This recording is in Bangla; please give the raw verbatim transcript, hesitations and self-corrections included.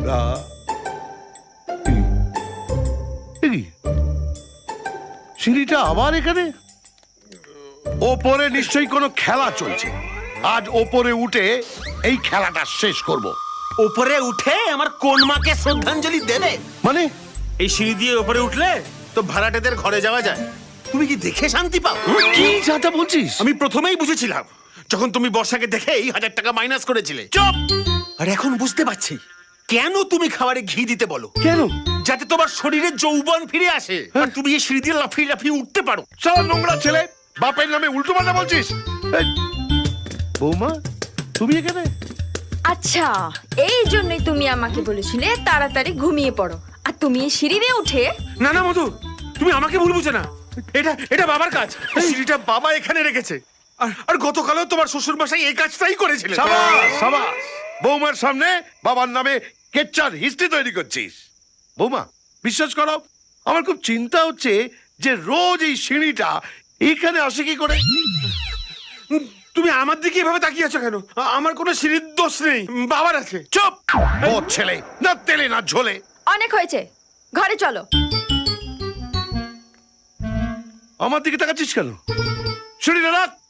সিঁড়িটা আবার এখানে? ওপরে নিশ্চয়ই কোনো খেলা চলছে। আজ ওপরে উঠে এই খেলাটা শেষ করব। ওপরে উঠে আমার কোন মাকে শ্রদ্ধাঞ্জলি দেবে? মানে এই সিঁড়ি দিয়ে ওপরে উঠলে তো ভাড়াটেদের ঘরে যাওয়া যায়। তুমি কি দেখে শান্তি পাও? কি যাতা বলছিস? আমি প্রথমেই বুঝেছিলাম যখন তুমি বর্ষাকে দেখে এই হাজার টাকা মাইনাস করেছিলে। চুপ! আর এখন বুঝতে পারছি কেন তুমি খাবারে ঘি দিতে বলো। কেন? যাতে তোমার শরীরে যৌবন ফিরে আসে আর তুমি এই সিঁড়ি দিয়ে লাফিয়ে লাফিয়ে উঠতে পারো। সারা নোংরা ছেলে, বাপের নামে উল্টো পাল্টা বলছিস। এই, বৌমা তুমি এখানে? আচ্ছা, এই জন্যই তুমি আমাকে বলেছিলে তাড়াতাড়ি ঘুমিয়ে পড়ো, আর তুমি এই সিঁড়ি দিয়ে উঠে। না না মধু, তুমি আমাকে ভুল বুঝো না। এটা এটা বাবার কাজ। সিঁড়িটা বাবা এখানে রেখেছে। আর আর গতকালও তোমার শ্বশুর মশাই এই কাজটাই করেছিলেন। সাবাস সাবাস, বৌমার সামনে বাবার নামে কেচ্চার হিস্ট্রি তৈরি করছিস। বৌমা বিশ্বাস করো, আমার খুব চিন্তা হচ্ছে যে রোজ এই সিঁড়িটা এখানে আসে কি করে। তুমি আমার দিকে এভাবে তাকিয়ে আছো কেন? আ- আমার কোনো সিঁড়ির দোষ নেই, বাবার আছে। চুপ! ও ছেলে, না তেলে না ঝোলে। অনেক হয়েছে, ঘরে চলো। আমার দিকে তাকাচ্ছিস কেন? সিঁড়িটা রাখ।